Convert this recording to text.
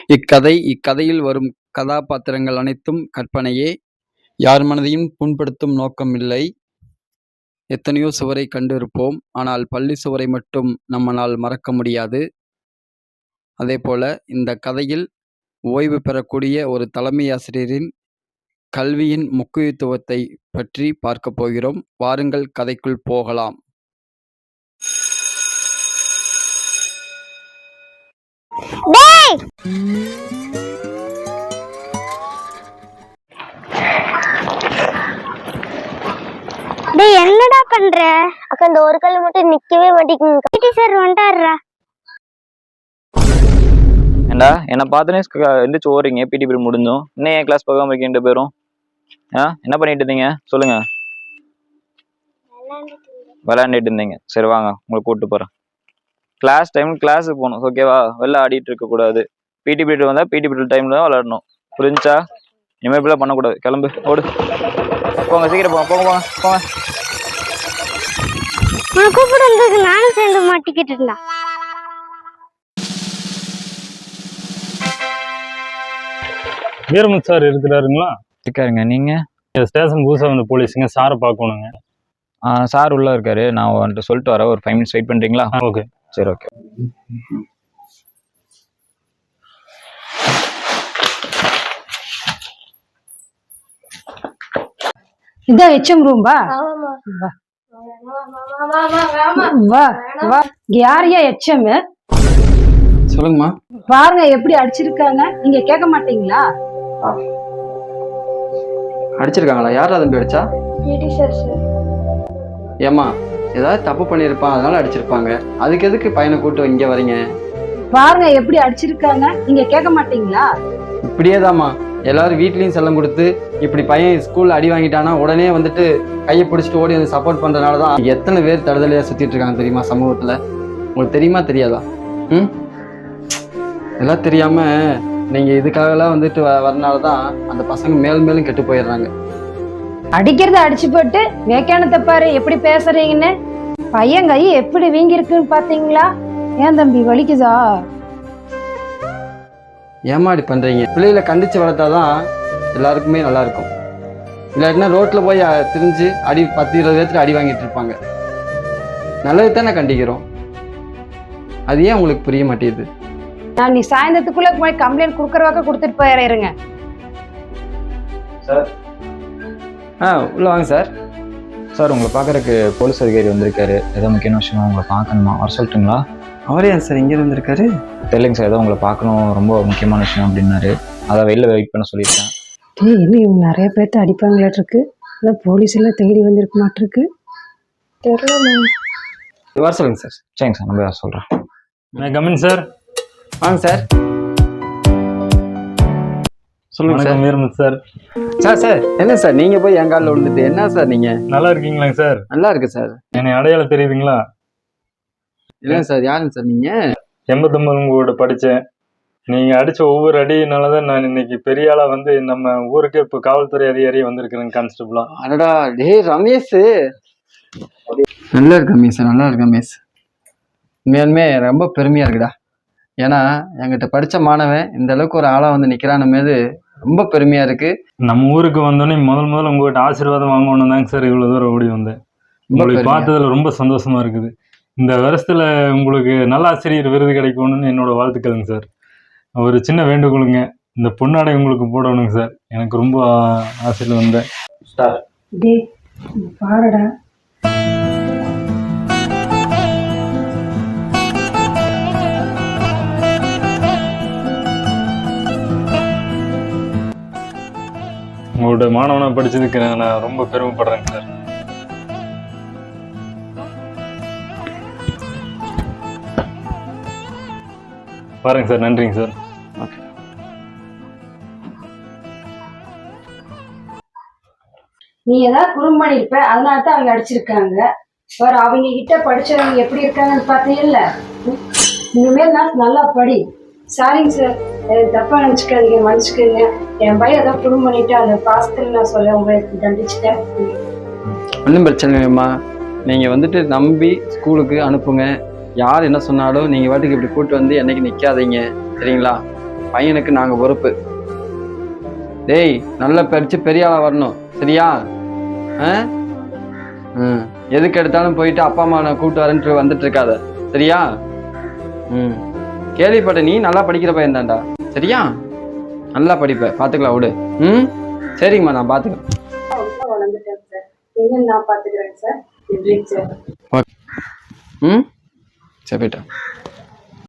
இக்கதையில் வரும் கதாபாத்திரங்கள் அனைத்தும் கற்பனையே. யார் மனதையும் புண்படுத்தும் நோக்கம் இல்லை. எத்தனையோ சுவரை கண்டிருப்போம், ஆனால் பள்ளி சுவரை மட்டும் நம்மால் மறக்க முடியாது. அதேபோல இந்த கதையில் ஓய்வு பெறக்கூடிய ஒரு தலைமை ஆசிரியரின் கல்வியின் முக்கியத்துவத்தை பற்றி பார்க்க போகிறோம். வாருங்கள், கதைக்குள் போகலாம். என்னடா பண்ற அக்கா? இந்த ஒரு கல் மட்டும் நிக்கவே மாட்டேங்குது. பிடி சார் வந்துட்டாருடா. ஏண்டா என்ன பார்த்தனே எந்திரிச்சு ஓடுறீங்க? பிடி பீரியட் முடிஞ்சோம், இன்னும் என் கிளாஸ் பார்க்காம இருக்கீங்க 2 பேரும்? என்ன பண்ணிட்டு இருந்தீங்க சொல்லுங்க? விளையாண்டுட்டு இருந்தீங்க. சரி வாங்க, உங்களை கூப்பிட்டு போறேன். கிளாஸ் டைம் கிளாஸுக்கு போகணும், ஓகேவா? வெளில ஆடிட்டு இருக்க கூடாது. பிடி பீரியட் வந்தா பிடி பீரியட் டைம்ல தான் விளையாடணும், புரிஞ்சா? இனிமேல் இப்படிலாம் பண்ணக்கூடாது. கிளம்பு, ஓடு, போங்க, சீக்கிரம் போங்க, போங்க போங்க போங்க. கூப்பிட்டு வந்ததுக்கு நானும் சேர்ந்து மாட்டிக்கிட்டு இருந்தா. வீரமுத்து சார் இருக்கிறாருங்களா? இருக்காருங்க. நீங்க? ஸ்டேஷன் புதுசாக வந்து போலீஸுங்க, சாரை பார்க்கணுங்க. சார் உள்ள இருக்காரு, நான் வந்துட்டு சொல்லிட்டு வரேன். ஒரு 5 minutes வெயிட் பண்றீங்களா? ஓகே. சரி, ஓகே. இதான் ஹெச்எம் ரூம். வா வா வா. யாரையா ஹெச்எம்? சொல்லுங்கம்மா. பாருங்க எப்படி அடிச்சிருக்காங்க, நீங்க கேட்க மாட்டீங்களா? அடிச்சிருக்காங்களா? யாரா தம்பி அடிச்சா? பிடி சார். ஏம்மா, ஏதாவது தப்பு பண்ணியிருப்பான், அதனால அடிச்சிருப்பாங்க. அதுக்கு எதுக்கு பையனை கூட்டு இங்க வரீங்க? பாருங்க எப்படி அடிச்சிருக்காங்க, நீங்க கேட்க மாட்டீங்களா? இப்படியேதாம்மா எல்லாரும் வீட்லயும் செல்லம் கொடுத்து, இப்படி பையன் ஸ்கூல்ல அடி வாங்கிட்டானா உடனே வந்துட்டு கையை பிடிச்சிட்டு ஓடி வந்து சப்போர்ட் பண்றதுனாலதான் எத்தனை பேர் தடுதலையா சுத்திட்டு இருக்காங்க தெரியுமா சமூகத்துல? உங்களுக்கு தெரியுமா தெரியாதா? எல்லாம் தெரியாம நீங்க இதுக்காகலாம் வந்துட்டு வரனாலதான் அந்த பசங்க மேலும் மேலும் கெட்டு போயிடுறாங்க. அடிக்கிறத அடிச்சு போட்டு வேக்கானத்தை பாரு எப்படி பேசுறீங்கன்னு. பையன் கை எப்படி வீங்கி இருக்குன்னு பாத்தீங்களா? ஏன் தம்பி வலிக்குதா? ஏமாடி பண்றீங்க? பிள்ளைகளை கண்டிச்சு வளர்த்தாதான் எல்லாருக்குமே நல்லா இருக்கும். இல்லாட்டினா ரோட்ல போய் திரிஞ்சு அடி 10-20 பேர்த்துக்கு அடி வாங்கிட்டு இருப்பாங்க. நல்லது தானே கண்டிக்கிறோம், அது ஏன் உங்களுக்கு புரிய மாட்டேங்குது? நான் நீ சாயந்தரத்துக்குள்ள போய் கம்ப்ளைண்ட் கொடுக்கறவாக்க கொடுத்துட்டு போயிடுங்க. சார் உள்ள வாங்க சார். சார் உங்களை பார்க்கறதுக்கு போலீஸ் அதிகாரி வந்திருக்காரு. ஏதோ முக்கியமான விஷயமா உங்களை பார்க்கணுமா, வர சொல்லட்டுங்களா? அவரே சார் இங்கே வந்திருக்காரு? தெரியலைங்க சார், ஏதோ உங்களை பார்க்கணும், ரொம்ப முக்கியமான விஷயம் அப்படின்னாரு. அதை வெளில வெயிட் பண்ண சொல்லியிருக்கேன். இன்னும் இவங்க நிறைய பேர்த்த அடிப்பாங்களாட்டு இருக்கு. அதான் போலீஸ் எல்லாம் தேடி வந்திருக்க மாட்டிருக்கு. தெரியல. வர சொல்லுங்க சார். சரிங்க சார், நம்ம சொல்கிறேன். Come in sir. வாங்க சார். சொல்லுங்க சார். வீரமுத்து சார். சார் என்ன சார் நீங்க போய் என் காலில் விழுந்துட்டு என்ன சார்? நீங்க நல்லா இருக்கீங்களாங்க சார்? நல்லா இருக்கு சார். என்னை அடையாளம் தெரியுதுங்களா? இல்லை சார். யாருங்க சார் நீங்க? 89 உங்களோட படித்தேன். நீங்கள் அடித்த ஒவ்வொரு அடியினாலதான் நான் இன்னைக்கு பெரிய ஆளா வந்து நம்ம ஊருக்கு இப்போ காவல்துறை அதிகாரியே வந்திருக்கிறேங்க, கான்ஸ்டபிளா. அடடா, டே ரமேஷ். நல்லா இருக்கு ரமேஷ், நல்லா இருக்கு ரமேஷ். உண்மையாலுமே ரொம்ப பெருமையா இருக்குடா. ஏன்னா என்கிட்ட படித்த மாணவன் இந்த அளவுக்கு ஒரு ஆளா வந்து நிக்கிறான் மீது ரொம்ப பெருமையா இருக்கு. நம்ம ஊருக்கு வந்தோடனே முதல்ல உங்ககிட்ட ஆசீர்வாதம் வாங்கணும் தாங்க சார் இவ்வளவு தூரம் ஓடி வந்தேன். உங்களுக்கு பார்த்ததுல ரொம்ப சந்தோஷமா இருக்குது. இந்த வருஷத்துல உங்களுக்கு நல்ல ஆசிரியர் விருது கிடைக்கணும்னு என்னோட வாழ்த்துக்களுங்க சார். ஒரு சின்ன வேண்டுகோளுங்க, இந்த பொன்னாடை உங்களுக்கு போடணுங்க சார். எனக்கு ரொம்ப ஆசையில் வந்தேன். பாருடா. உங்களோட மாணவனா படிச்சதுக்கு நான் ரொம்ப பெருமைப்படுறேங்க சார். பாருங்க சார். நன்றிங்க சார். நீ ஏதாவது குறும்பணி இருப்ப, அதனால தான் அவங்க அடிச்சிருக்காங்க. வேற அவங்க கிட்ட படிச்சவங்க எப்படி இருக்காங்கன்னு பார்த்தீங்கல்ல. இனிமேல் நான் நல்லா படி. சாரிங்க சார், தப்பா நினைச்சுக்காதீங்க, மன்னிச்சுக்கோங்க. என் பையன் ஏதாவது குறும்பு பண்ணிட்டு அந்த பாசத்தில் நான் சொல்ல உங்களுக்கு தண்டிச்சுட்டேன். ஒன்றும் பிரச்சனை இல்லைம்மா. நீங்கள் வந்துட்டு நம்பி ஸ்கூலுக்கு அனுப்புங்க. யார் என்ன சொன்னாலும் நீங்கள் வாட்டுக்கு இப்படி கூப்பிட்டு வந்து என்னைக்கு நிற்காதீங்க, சரிங்களா? பையனுக்கு நாங்கள் பொறுப்பு. டேய் நல்லா படிச்சு பெரிய ஆளாக வரணும், சரியா? எதுக்கு எடுத்தாலும் போயிட்டு அப்பா அம்மா நான் கூப்பிட்டு வரேன்ட்டு வந்துட்டு இருக்காத, சரியா? கேள்விப்பட்ட நீ நல்லா படிக்கிற பையன் தான்டா, சரியா? நல்லா படிப்ப, பார்த்துக்கலாம் விடு. சரிங்கம்மா, நான் பார்த்துக்கிறேன். வளர்ந்துட்டேன் சார், என்ன நான் பார்த்துக்கிறேன் சார். சரி போயிட்டேன்.